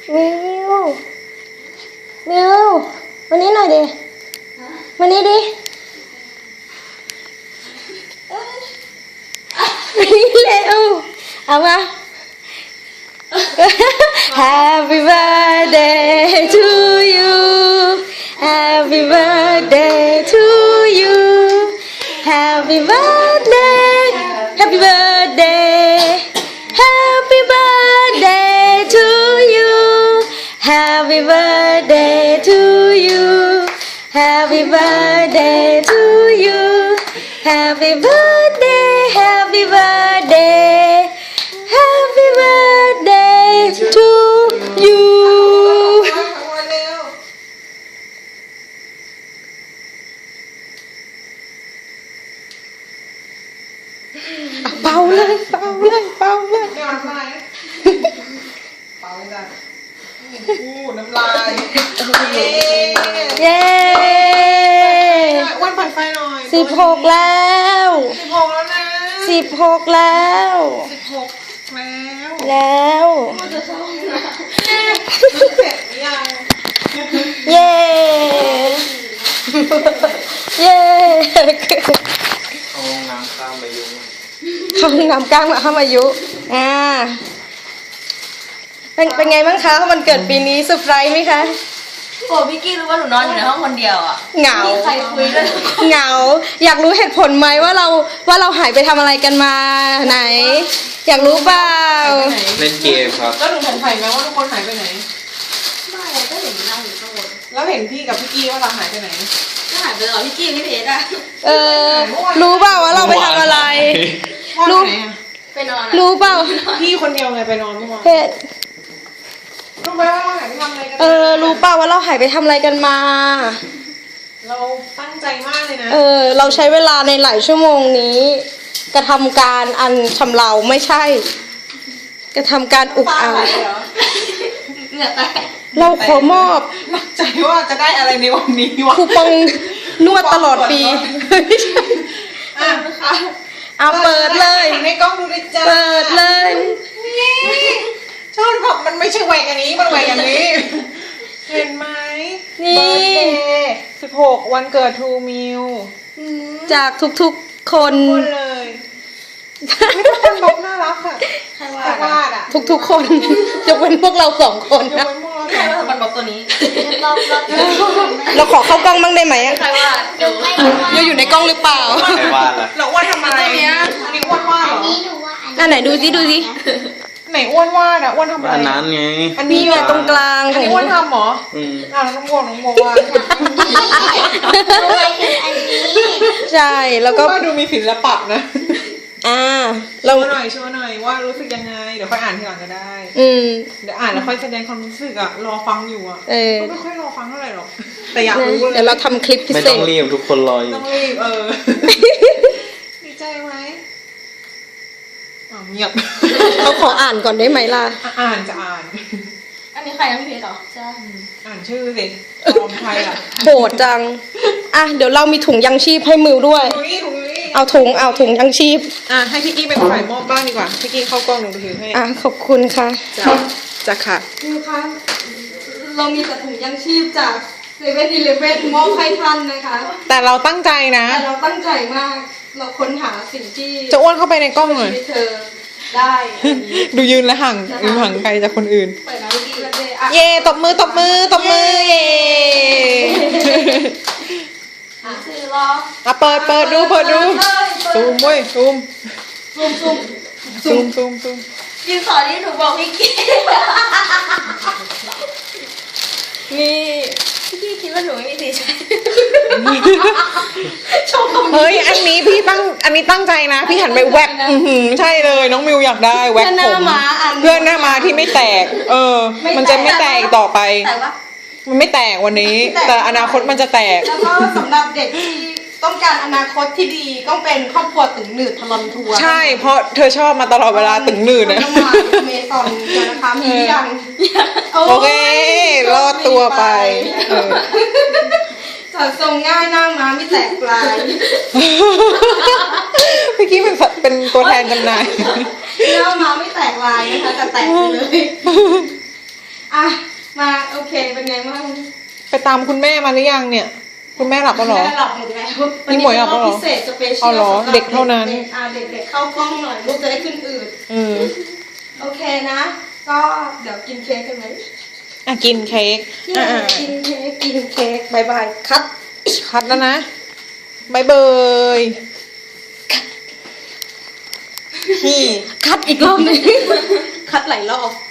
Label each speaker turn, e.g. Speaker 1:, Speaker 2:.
Speaker 1: มิวมิววันนี้หน่อยดิวันนี้ดิวันนี้เร็วเอามา Happy birthday to you Happy birthday to you Happy birthday Happy birthday Happy birthday to you Happy birthday to you Happy birthday to you Happy birthday Happy birthday Happy birthday to you เป่าเลยเป่าเลยเป่าเลย
Speaker 2: ไม่เอาน้ำลายนะเปล่าไม่ได้พูดน้ำลาย
Speaker 1: เย้
Speaker 2: อ้วนปั่นไฟหน่อย
Speaker 1: 16แล้ว
Speaker 2: 16แล้วนะ
Speaker 1: 16แล้ว
Speaker 2: 16
Speaker 1: แล้ว
Speaker 2: มันจะเข้านะเสร็จหรือยัง
Speaker 1: เย้เย้
Speaker 3: เอาน้ำข้ามมายุ่ง
Speaker 1: เขานำก้างมาเข้ามายุเป็นไงบ้างคะวันเกิดปีนี้เซอร์ไพรส์ไหมคะ
Speaker 4: โอ้พี่กี้รู้ว่าหนูนอนอยู่ในห้องคนเดียวอ่ะ
Speaker 1: เหงา
Speaker 4: ไม่มีใครคุยด้วย
Speaker 1: เหงาอยากรู้เหตุผลไหมว่าเราหายไปทำอะไรกันมาไหน อยากรู้เปล่า
Speaker 3: เล่นเกมครับ
Speaker 2: แล้วหนูสงสัยไหมว่าทุกคนหายไปไหน
Speaker 4: ไม่ก็เห็นนั่งอยู่ข้างบน
Speaker 2: แล้วเห็นพี่กับพี่กี้ว่าเราหายไปไหน
Speaker 4: ก็หายไปแล้วพี่กี้ไม่เพจอ่ะ
Speaker 1: รู้เปล่าว่าเราไปทำอะไร
Speaker 2: ว่าไปไหนอะ
Speaker 4: ไปนอนอ่ะ
Speaker 1: รู้เปล่า
Speaker 2: พี่คนเดียวไงไปนอนเมื่อวาน
Speaker 1: เพจ
Speaker 2: รู้ไหมว่าเราหายไปทำอะไรกัน
Speaker 1: รู้เปล่าว่าเราหายไปทำอะไรกันมา
Speaker 2: เราตั้งใจมากเลยนะ
Speaker 1: เราใช้เวลาในหลายชั่วโมงนี้ กระทำการอันชำเราไม่ใช่ กระทำการอุกอาจ
Speaker 2: เหรอ
Speaker 4: เหงื่อแตก
Speaker 1: เราขอมอบ
Speaker 2: ตั้งใจว่าจะได้อะไรในวันนี้วะ
Speaker 1: คูปองนวดตลอดปีไม่ใช่
Speaker 2: อ่ะ
Speaker 1: เอาเปิดเลย
Speaker 2: ในกล้องดูเลยจ้า
Speaker 1: เปิดเลย
Speaker 2: นี่ชอบแบบมันไม่ใช่แหวกอันนี้มันแหวกอันนี้ เห็นไหม
Speaker 1: นี่
Speaker 2: 16วันเกิดทูมิว
Speaker 1: จากทุกๆคน
Speaker 2: พูดเลยไม่ทุกคนบอกน่ารักค่ะ
Speaker 4: ใครว่า
Speaker 2: แต่วาดอ่ะ
Speaker 1: ทุกๆคน ยกเว้นพวกเรา2 คน
Speaker 2: ยก
Speaker 1: นะ
Speaker 2: เว้นพวกเรา
Speaker 4: ใครว่ามันบอกตัวนี้รอบ
Speaker 1: เราขอเข้ากล้องบ้างได้ไหม
Speaker 4: ใครว่าดู
Speaker 1: เราอยู่ในกล้องหรือเปล่า
Speaker 3: ใครวาดล่ะ
Speaker 2: เราอ้วนทำอะไรอันนี้อ้วนวาดเหรอ
Speaker 1: อันไหนดูสิดูสิ
Speaker 2: ไหนอ้วนวาดอ่ะอ้วนทำอะไร
Speaker 3: อันนั้นไง
Speaker 2: อัน
Speaker 1: มี
Speaker 2: นี้
Speaker 1: อยู่ตรงกลาง
Speaker 2: อันนี้อ้วนทำเหรอ
Speaker 3: อืม
Speaker 2: อ่ะน้องโมวาด
Speaker 1: ใช่แล้วก็
Speaker 2: ว่าดูมีศิลปะนะ
Speaker 1: เรา
Speaker 2: โชว์หน่อยว่ารู้สึกยังไงเดี๋ยวค่อยอ่านทีหลังก็ได้ เดี๋ยวอ่านแล้วค่อยแสดงความรู้สึกอ่ะรอฟังอยู่อ่ะก็ไม่ค่อยรอฟังเท่าไหร่หรอกแต่อยากรู้เลย
Speaker 1: เดี๋ยวเราทำคลิปพิ
Speaker 3: ไม่
Speaker 1: เศ
Speaker 3: ต้อง
Speaker 1: ษ
Speaker 3: รีบทุกคนรออยู่
Speaker 2: ต้องรีบดีใจไหมเงียบ
Speaker 1: เขาขออ่านก่อนได้ไหมล่ะ
Speaker 2: อ่านจะอ่าน
Speaker 4: อันนี้ใครนะพี่เพจเหรอใช่
Speaker 2: อ่านชื่อสิปลอมใครอ่ะ
Speaker 1: โหดจังเดี๋ยวเรามีถุงยังชีพให้มิวด้วย
Speaker 2: ถุงนี้
Speaker 1: เอาถุงยังชีพ
Speaker 2: ให้พี่กี้เป็นฝ่ายมอบบ้างดีกว่าพี่กี้เข้ากล้องหนูถือให้
Speaker 1: ขอบคุณค่ะ
Speaker 2: จะค่ะ
Speaker 1: มิวคะเรามีแต่ถุงยังชีพจาก7-Elevenมอบให้ท่านนะคะ
Speaker 2: แต่เราตั้งใจนะ
Speaker 1: แต่เราตั้งใจมาก เราค้นหาสิ่งที่
Speaker 2: จะอ้วนเข้าไปในกล้องหน่อย
Speaker 1: ชีวิตเธอได้อันนี้
Speaker 2: ดูยืนและห่างไกลจากคนอื่น
Speaker 1: เปิดแล้วดีเลย
Speaker 2: เย่ตบมือเย่
Speaker 4: คือรอ
Speaker 2: เปิดดูซูมเว้ยซูม
Speaker 4: ยืนสอที่หนูบอกพี่กี้
Speaker 1: นี่
Speaker 4: พี่กี้คิดว่าหนูไม่มีสีใช้
Speaker 1: ชมตรงนี้
Speaker 2: เฮ้ยอันนี้ตั้งใจนะพี่หันไปแวบใช่เลยน้องมิวอยากได้แวบ
Speaker 1: เพื่อนห
Speaker 2: ผ
Speaker 1: น้าม ม้าอัน
Speaker 2: เพื่อนหน้ามาที่ไม่แตก มันจะไม่แตกต่อไป
Speaker 4: แต่ว่า
Speaker 2: มันไม่แตกวันนี้ แต่อนาคตมันจะแตก
Speaker 1: แล้วก็สำหรับเด็กที่ต้องการอนาคตที่ดีต้องเป็นครอบครัวตึงหนืดทลอนทัวร์
Speaker 2: ใช่เพราะเธอชอบมาตลอดเวลาตึงหนืดนะ
Speaker 1: ต้องมาเมซอนกันนะคะมีหรือยัง
Speaker 2: โอเครอดตัวไป
Speaker 1: จัดทรงง่ายหน้าม้าไม่แตกปลาย
Speaker 2: เมื่อกี้เป็นตัวแทนจำหน่าย
Speaker 1: หน้าม้าไม่แตกลายนะคะแต่แตกไปเลยอ่ะมาโอเคเป็นไงบ้าง
Speaker 2: ไปตามคุณแม่มาหรือยังเนี่ย คุณแม่หลับแล้วเหรอ
Speaker 1: แม่หลับหมดแล้ว
Speaker 2: นี่หมวยหลับแล้วเหรอ
Speaker 1: พิเศษสเปเชียล
Speaker 2: เอาเหรอเด็กเท่านั้น
Speaker 1: เด็กๆเข้ากล้องหน่อยลูกจะได้ขึ้นอืด โอเคนะ ก็เดี๋ยวกินเค้กกันไหม
Speaker 2: อ่ะกินเค้ก
Speaker 1: กินเค้กกินเค้กบายบายคัด
Speaker 2: คัดแล้วนะบายเบยพี่
Speaker 1: คัดอีกรอบหนึง คัดหลายรอบ